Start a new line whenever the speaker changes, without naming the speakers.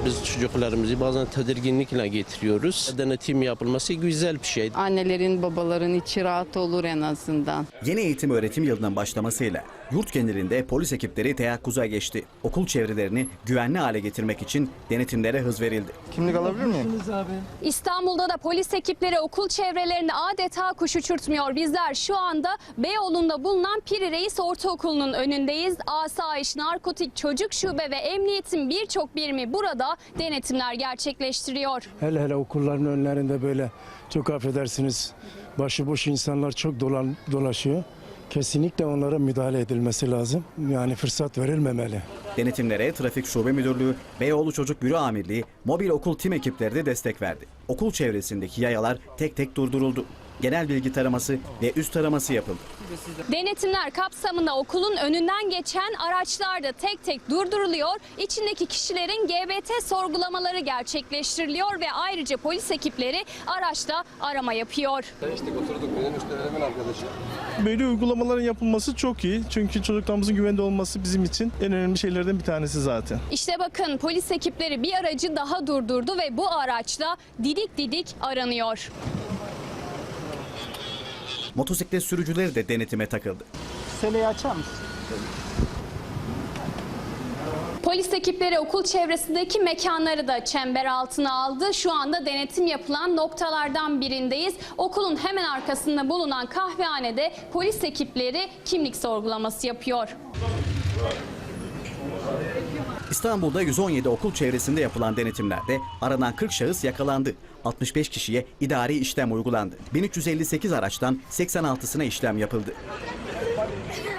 Biz çocuklarımızı bazen tedirginlikle getiriyoruz. Denetim yapılması güzel bir şey.
Annelerin, babaların içi rahat olur en azından.
Yeni eğitim öğretim yılının başlamasıyla yurt genelinde polis ekipleri teyakkuza geçti. Okul çevrelerini güvenli hale getirmek için denetimlere hız verildi.
Kimlik alabilir miyim?
İstanbul'da da polis ekipleri okul çevrelerini adeta kuş uçurtmuyor. Bizler şu anda Beyoğlu'nda bulunan Piri Reis Ortaokulu'nun önündeyiz. Asayiş, Narkotik, Çocuk Şube ve Emniyet'in birçok birimi burada denetimler gerçekleştiriyor.
Hele okulların önlerinde böyle çok affedersiniz başıboş insanlar çok dolaşıyor. Kesinlikle onlara müdahale edilmesi lazım. Yani fırsat verilmemeli.
Denetimlere Trafik Şube Müdürlüğü, Beyoğlu Çocuk Büro Amirliği, mobil okul tim ekipleri de destek verdi. Okul çevresindeki yayalar tek tek durduruldu. Genel bilgi taraması ve üst taraması yapıldı.
Denetimler kapsamında okulun önünden geçen araçlar da tek tek durduruluyor. İçindeki kişilerin GBT sorgulamaları gerçekleştiriliyor ve ayrıca polis ekipleri araçta arama yapıyor.
Böyle uygulamaların yapılması çok iyi. Çünkü çocuklarımızın güvende olması bizim için en önemli şeylerden bir tanesi zaten.
İşte bakın polis ekipleri bir aracı daha durdurdu ve bu araçla didik didik aranıyor.
Motosiklet sürücüleri de denetime takıldı.
Seleyi açar mısın?
Polis ekipleri okul çevresindeki mekanları da çember altına aldı. Şu anda denetim yapılan noktalardan birindeyiz. Okulun hemen arkasında bulunan kahvehanede polis ekipleri kimlik sorgulaması yapıyor.
İstanbul'da 117 okul çevresinde yapılan denetimlerde aranan 40 şahıs yakalandı. 65 kişiye idari işlem uygulandı. 1358 araçtan 86'sına işlem yapıldı.